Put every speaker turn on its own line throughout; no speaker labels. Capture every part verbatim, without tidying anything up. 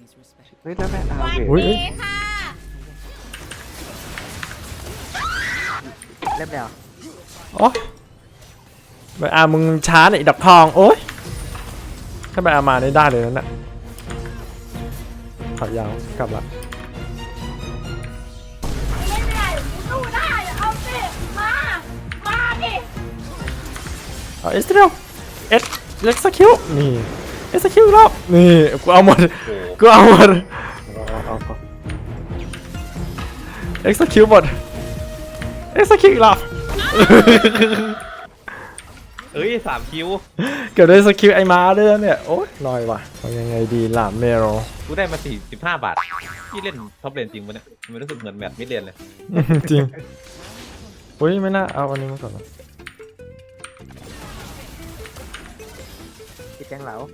เฮ้ยแล้วแม่อา
สวัส
เว
ดีค่ะ
เริ่มแล้ว
โอ้ไปอามึงช้าหน่อยอีดอกทองโอ้ยถ้าไปอามาได้ได้เลยนั่นน่ะขอยาวกลับละ
ไม่ได้สู้ได้เอาสิมามาดิ
เอาเอสเร็วเอสเล็กสคิวนี่เอสคิวรอบนี่กูเอาหมดกูเอาหมด
เอาเอาเอา
เอ็กซ์คิวหมดเอ็กซ์คิวอีกรอบ
เอ้ยสามคิว
เกือบได้สกิลไอมาด้วยนะเนี่ยโอ๊ยลอยว่ะเอายังไงดีล่ะเมโร
กูได้มาสี่สิบห้าบาทที่เล่นท็อปเลนจริงปะเนี่ยมันรู้สึกเหมือนแบบมิดเลนเลย
จริงอุ้ยไม่น่าเอาอันนี้มาก่อนนะ
ติดแกงเหลา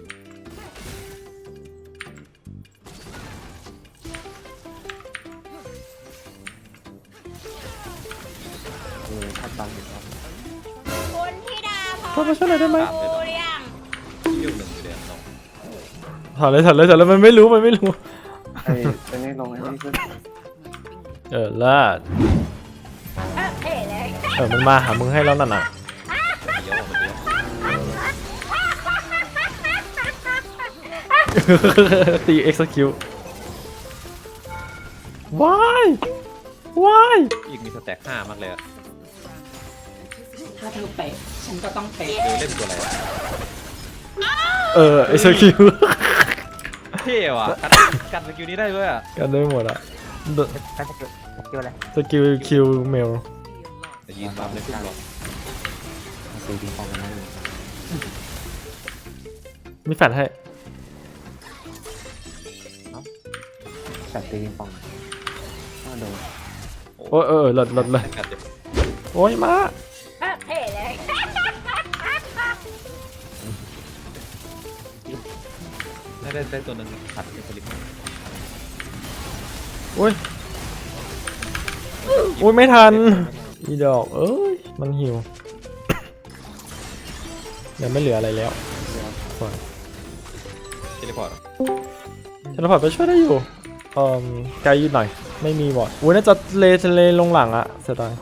เออทัดบังอยู่ครับ
คุณธิดาพ
ขอมาช่วยหน่อยได้ไหม
ดูหรือยัง
ยุ่งหนึ่งเดือนน้อง
ถอดเลยถอดเลยถอดเลยมันไม่รู้มันไม่รู้
ไอ้ไอ้นี่ลงไอ้นี่ขึ้น
เออเลิศ
เออเอ๋เลย
เออมันมาหามึงให้แล้วนั่นน่ะ
เดี๋ยวมันเดี๋ยว
ตีเอ็กซ์คิวว้ายว้าย
อีกมีสแต็กห้ามากเลยอะ
ถ้าเธอเป๊ะฉันก็ต้องเป๊ะ
ดูเล่นตัวอะไรวะ
เออเอ็กซ์คิว
เท่ว่ะกันกันสกิลนี้ได้ด้วยอะ
กันได้หมดอ่ะ
การจะเกิดเกี่ยวอะไร
สกิลคิวเมล
แต่ยืนปั๊มเลยขึ้นหรอก
เอาตีปิงปองกันนั่นเลย
มีแฟนให้
แต่ตีปิงปองก็โดน
โอ้ยเออหลดหลดเลย
กัดเจ็บ
โอ้ยมา
เออเอ๋เลย
ได้ได้ได้ตัวหนึ่งขัดเป็นสลิป
โอ้ยโอ้ยไม่ทันอีดอกเอ้ยมันหิวยังไม่เหลืออะไรแล้ว
เทเลพอร์ต
เทเลพอร์ตไปช่วยได้อยู่เอ่อไกลหน่อยไม่มีบอดอุ้ยน่าจะเลทะเลลงหลังอะเสียดาย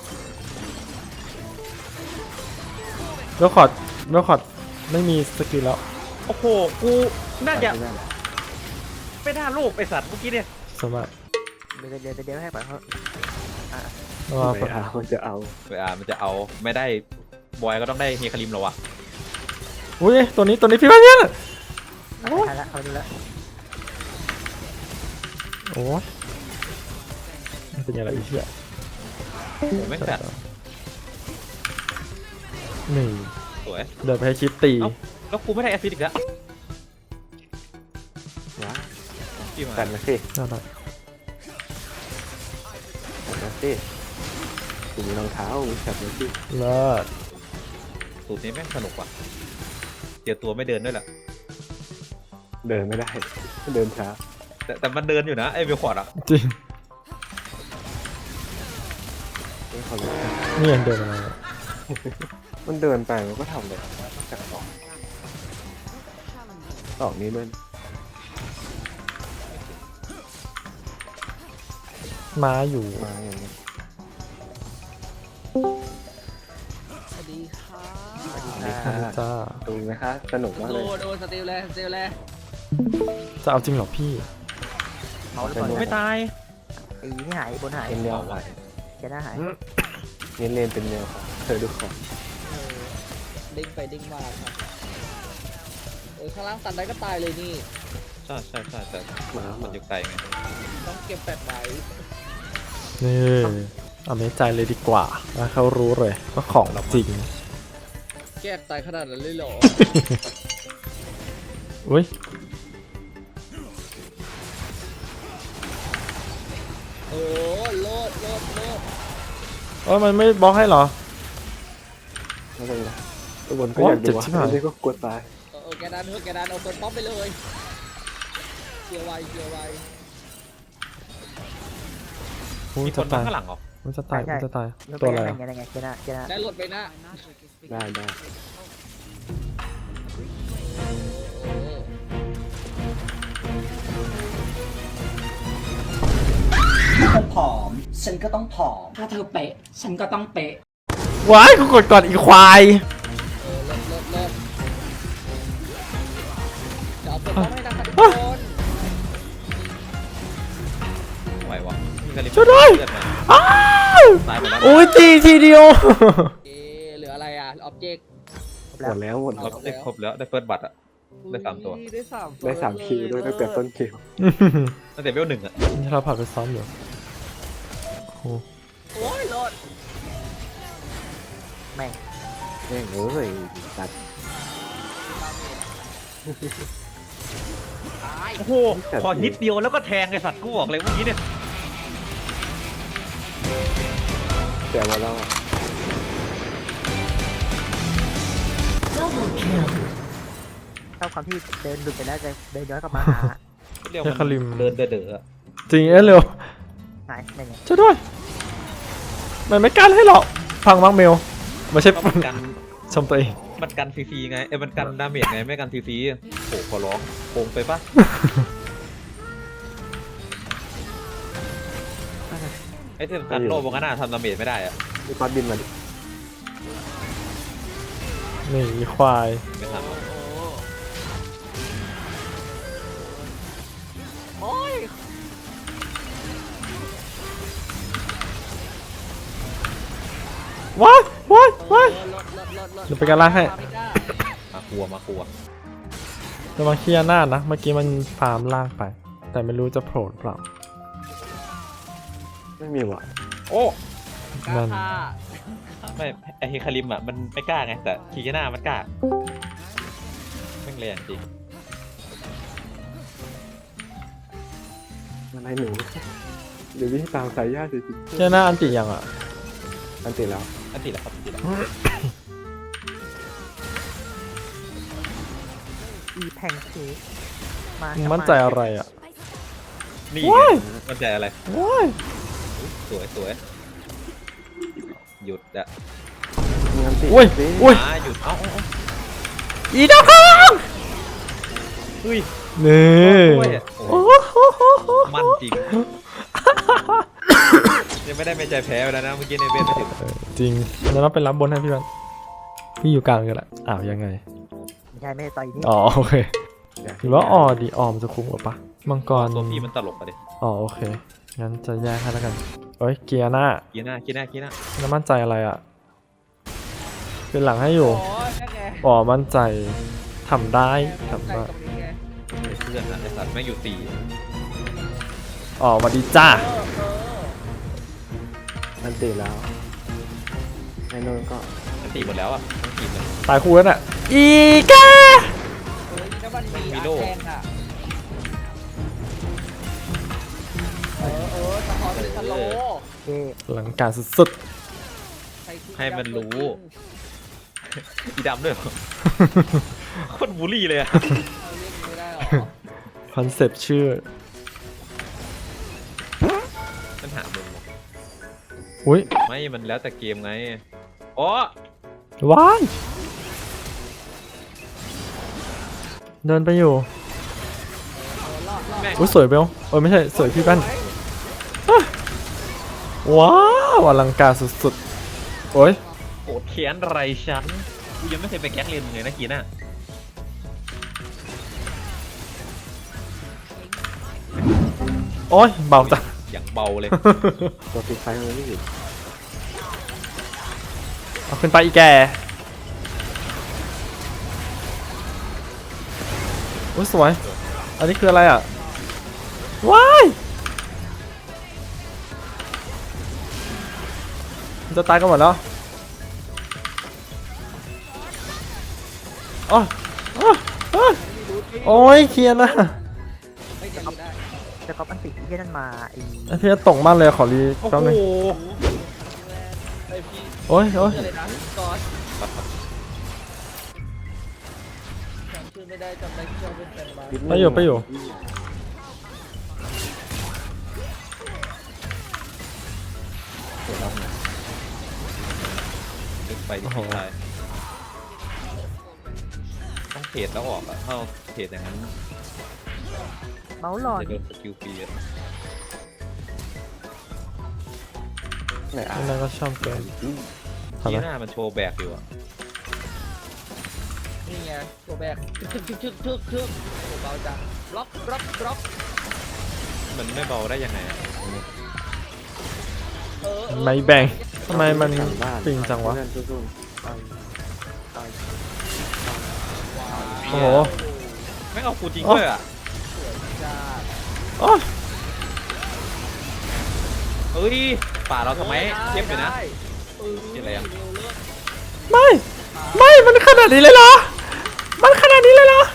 เวลคอร์ดเวลคอร์ดไม่มีสกิลแล้ว
โอ้โหกูน่าจะไม่น่าลูกไอสัตว์เมื่อกี้เนี่ย
สมัย
เดี๋ยวเดี๋ยวเดี๋ยวให้ปล่อยเขา
ว่า
ไม่เอาจะเอา
เวลามันจะเอาไม่ได้บอยก็ต้องได้เฮคาริมแล้ววะ
อุ้ยตัวนี้ตัวนี้พี่ว่าเนี่ย
เอาไปละเอาไปละ
โอ้ยมันเป็นยังไงอีกทีอะ
โอ้ไม่งแฟด
นี่
สวย
เดินไปให้คลิปตี
เอ้า แล้วกูไม่ได้แอสซิดอีกแล้ว
ว้า
ที่มา
กันมาสิ
น่ารัก
กันมาสิกูมีรองเท้ามีจับมาสิ
เลิศ
สูตรนี้แม่งสนุกว่ะเดี๋ยวตัวไม่เดินด้วยแหละ
เดินไม่ได้เดินช้า
แต่แต่มันเดินอยู่นะไอ้เวลคอร์ดอะ
จริง
ไม่เขาเลย
นี่ยังเดินมา
มันเดินไปมันก็ทำเลยจากสองสองนี้ด้วย
ม้าอยู่
มาอย่างนี้
สวัสดีค่ะ
ค่ะ
จ้า
ดูไหมคะสนุกมาก
โด
เลย
นโดนสติลเลยสติลเลย
จะเอาจริงเหรอพี่
เมาหรือเปล่า
ไม่ตาย
ไอ้นี่หายบนหาย
เป็นแนวหาย
แกหน้าหาย
เน้นเล่นเป็นแนวค่ะเธอดูของ
เออเด้งไปเด้งมาครับโอ้ยข้างล่างตันได้ก็ตายเลยนี่
ใช่ใช่ใช่แต่
หมา
มันอยู่ไกลไง
ต้องเก็บแปดไว้
นี่เอาไม่ใจเลยดีกว่าแล้วเขารู้เลยว่าของจริง
แก้ตายขนาดนั้นเลยเหรอ
อุ้ย
โอ้โลดโลดโลด
เอ้ยมันไม่บล็อกให้เหรอ
ไม่เป็นไรตัวบนก็อยากดูว่าไม่ได้ก็กลัวตาย
เออเออแกดันเถอะแกดันเอาเปิดป๊อปไปเลยเกียร์ไวเกียร์ไว
อุ้ย
มีค
จะ
น
ตา
มาย ข้างหลังเหรอ
มันจะตายมันจะตาย
แล้ว
ตัว
ไป
อะไร
ยังไงยังไงแกหน้าแกหน้า
ได้รถไปนะ
ได้ได้
โอ้
ฉันก็ต้องผอม ถ้าเธอเป๊ะ ฉันก็ต้องเป๊ะ
ว้ายกูกดก่อนอีควาย
เออเลิศเลิศเลิศเดี๋ยวเอาตัวให้นะคะทุกคน
ไหววะมีกระลิบ
ช่วยด้วย
เลือดมา
อ้าว
ตายหมดแล้ว
โอ้ยตีทีเดียว
เอ๊ะเหลืออะไรอ่ะออบเจกต์
หมดแล้วหมด
คร
แล้
บ
ว
ได้ครบแล้วได้เฟิร์สบัตรอะได้สามตัว
ได้สามตัว
ได้สามคิวด้วยตั้งแต่ต้นคิว
ตั้งแต่เวลหนึ่งอะ
นี่เราผ่านไปซ้อมอยู่โอ้
โอ้ยโลด
แม่ง
แม่งเอ้ยตัด
โอ้โหพอนิดเดียวแล้วก็แทงไอ้สัตว์กูบอกเลยเมื่อกี้เนี่ย
เสียมาแล้ว
ชอบความที่เดินหลุดไปแล้วจะเดินย้อนกลับมาหา
เรียกมันเดินเด๋อๆอะ
จริงเอ้ยเร็ว
หายไม่ไง
ช่วยด้วยมันไม่กันให้หรอกฟังมังเมลไม่ใช่
ก็มันกัน
ชมตัวเอง
มันกันฟรีๆไงเอ้ยมันกันดาเมจไงไม่กันฟรีๆโอ้ขอร้องโกงไปปะไอ้ที่สำคัญโลบงกันน่ะทำดาเมจไม่ได้อะ
มีก้อนบินมาดิ
นี่อีควาย
ไม่ทำอะ
โอ้ย
ว้ายว้ายว้าย
เออลดลดลดลด
เดี๋ยวไปกันล่างให้
ไม่ได้
มาครัวมาครัว
ระวังเคลียร์หน้านะเมื่อกี้มันฟาร์มล่างไป แต่ไม่รู้จะโผล่หรือเปล่า
ไม่มีว่ะ
โอ้
กล้า
นั่น
ฆ่า
ไม่ไอเฮคาริมอ่ะมันไม่กล้าไงแต่คีหน้ามันกล้าแม่งแรงจริง
อะไรหนูเดี๋ยววิ่งตามสายญาติสิ
เคลียร์หน้าอันติยังอ่ะ
อันติดแล้ว
อันติดแล้วครับอันติดแล้ว
อีแพงเค้กมา
มึง
มา
มั่นใจอะไรอ่ะ
นี่
โอ้ย
มันใจอะไร
ว้าย
สวยสวยหยุดอะ
มีอันติด
อุ้ย
สิ
อุ้ย
อ่าหยุดเอ้าเอ้าเอ้า
อีดาวข้าง
เฮ้ย
นี่
ด้วยอะโอ้
โอ้
โห
โห
มันจริงยังไม่ได้ไม่ใจแพ้ไปแล้วนะเมื่อกี้ในเวทไม่ถึง
เออจริงแล้วเราไปรับบนให้พี่วันพี่อยู่กลางกันแหละอ้าวยังไง
ไม่ใช่ไม่ใช่ต่อยนี่
อ๋อโอเคหรือว่าออดีออมจะคุ้มกว่าปะมังกร
ตัวพี่มันตลกอะดิ
อ๋อโอเคงั้นจะแยกให้แล้วกันเอ้ยเกียร์หน้า
กีหน้ากีหน้ากีหน้า
แล้วมั่นใจอะไรอ่ะเป็นหลังให้อยู่
โอ้ยนั่นไง
อ๋อมั่นใจทำได้ทำ
ใจ
ได้
ตรงนี้ไง
ไอ้เพื่อนอะไอ้สัตว์แม่งอยู่สี่
อ๋อสวัสดีจ้า
เออเออ
อันติดแล้วไอ้นนท์ก็
อันติหมดแล้วอะทั้งทีมเลย
ตายคู่แล้วน่ะอีกา
เฮ้ยถ้ามันมี
มี
อา
โล่
แทงอ่ะเออเออสะท้อนเป็นสโลว์
เอ๊ะ
หลังการสุด
ใครคิด
ให้มันรู้ อีดำด้วยเหรอ
ๆ
โคตรบูลลี่เลยอะ
เอาเล่นไม่ได้หรอ
คอนเซปต์ชื่อ
มันหามุมเหรอ
อุ้ย
ไม่มันแล้วแต่เกมไงอ๋อ
ว้ายเดินไปอยู่
แม่ง
อุ้ยสวยเบลเออไม่ใช่สวยพี่แป้นอ่ะว้าวอลังการสุดๆโอ้ย
โกรธแค้นไรฉันกูยังไม่เคยไปแก๊กเรียนมึงเลยนะกีน่า
โอ้ยเบาจัง
อย่างเบาเลย
ตัวติดไฟมันไม่หยุด
เอาขึ้นไปอีแกโอ้ยสวย อันนี้คืออะไรอ่ะ ว้ายมันจะตายกันหมดแล้วโอ้ยโอ้ยโอ้ยโอ้ยเคลียร์นะ
ไม่จะรู้ได้
จะก๊อปอันติที่นั่นมาไอ้
ไอเพียตกมากเลยขอรี
โอ้
แป๊บ
โห
นึง
ไอพี่
โอ้ยโอ้ย
เชื่อเลยนะก๊อตจำชื่อไม่ได้จำได้ที่เราเป็นแฟนบ้าน
ไปอยู่ไปอยู่
เดี๋ยวเราเนี่ย
ดึงไปที่พี่ชายต้องเทรดแล้วออกอะถ้าเราเทรดอย่างนั้น
เมาส์หลอด
จะโดนสกิลฟรีอะ
ไหนอ่ะ
นั่นก็ชอบเกิน ทำ
คี
ไม
หน้ามันโชว์แบกอยู่อะ
นี่ไงตัวแบกทึกทึกทึกทึกทึกโอ้เบาจังบล็อกบล็อกบล็อก
มันไม่เบาได้ยังไงอะ
เออเออ
ไม่แบ่งทำไมมัน
กลับบ้าน
ปิงจังวะ
เพื่อนสู้ๆไปไป
โอ้โห
ไม่งเอากูจริงด้วยอะ
จ้า
โอ้ย
เอ้ยป่าเราทำไมเทียบเลยนะ
เออ
เห็นอะไรอะ
เร็วเลิศ
ไม่ ไม่ มันขนาดนี้เลยเหรอ มันขนาดนี้เลยเหรอ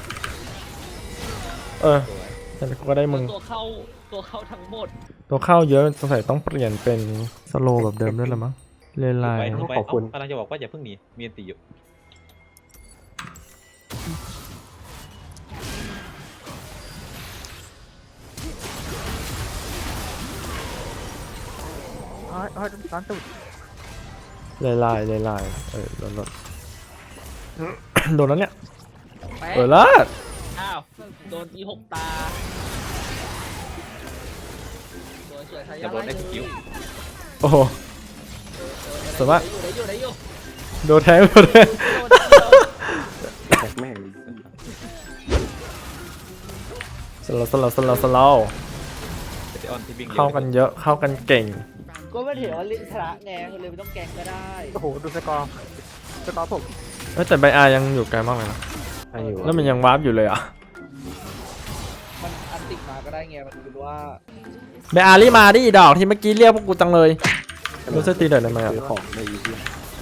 เออแต่กูก็ได้มึง
ตัวเข้าตัวเข้าทั้งหมด
ตัวเข้าเยอะสงสัยต้องเปลี่ยนเป็นสโลว์แบบเดิมด้วยละมั้งเลนไล
ไป
น์
ไป
ขอบคุณ
เากำลังจะบอกว่าอย่าเพิ่งหนีมีอันตีอยู่
อ๋ออ๋อตอนตุด
เลนไลน์เลนไลน์เออโดนโดน โดนแล้วเนี่ย
แป๊ะ
เออแล้ว
อ้าวโดนอีหกตาสวยสวยทายา
จะโดนได้สกิล
โอ้โห สวยมาก
ได้อยู่ได้อยู่
โดนแทงโดนแทง
ได้อยู่
แท็กแม่งเลย
สโลว์สโลว์สโลว์สโลว์
เดออนที่วิ่งร็ว
เข้ากันเยอะเข้ากันเก่ง
ก็ไม่ถือว่าลิชนะไงก็เลยไม่ต้องแกงก็ได้
โอ้โหดูสกอร์สกอร์ผม
เอ้ยแต่ใบอายังอยู่ไกลมากเลยนะ
ใครอยู่
แล้วมันยังวาร์ปอยู่เลยอ่ะ
มันอันติดมาก็ได้ไงมันคือว่า
ใบอารีบมาดิอีดอกที่เมื่อกี้เรียกพวกกูจังเลยรู้สึกตีเดือดเลยไหมอ่ะ
ซื้อของในอีพี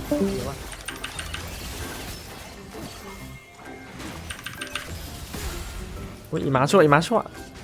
อุ้ยอีหมาชั่วอีหมาชั่ว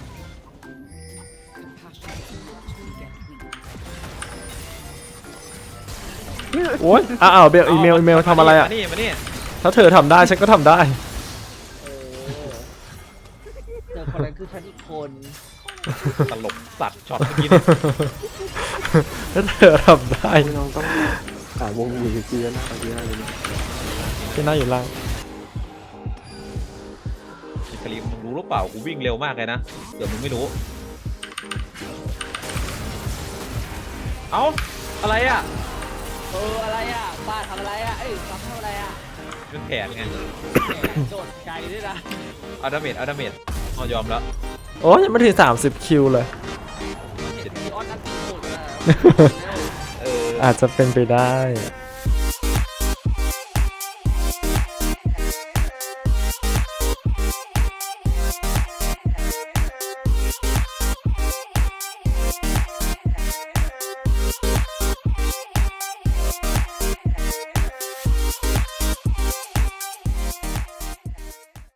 โอ้ยอ้าวเบลอีเมลอีเมลทำอะไรอ่ะ
มานี่มานี่
ถ้าเธอทำได้ฉันก็ทำได้
เออเจอคนนั้นคือฉันอีกคน
ตลกสัตว์ช็อตเมื่อกี้เนี่ย
ถ้าเธอทำได้
พี่น้องต้องหาวงหวีเกียร์นะตอนนี้เลย
ที่น่าอยู่ล่าง
ฮิคาริมมึงรู้หรือเปล่ากูวิ่งเร็วมากเลยนะเดี๋ยวมึงไม่รู้ เอ้าอะไรอ่ะ
เอออะไรอ่ะป้าทำอะไรอ่ะเอ้ยซ้ำทำอะไรอ่ะ
เป็นแผนไง
แหมโดดไกลด้วยนะ
เอาดาเมจเอาดาเมจเอายอมแล้ว
โอ้ยยังไม่ถึงสามสิบคิวเลย
เห็นมีออนอันติโหดนะ
เออ
อาจจะเป็นไปได้
เ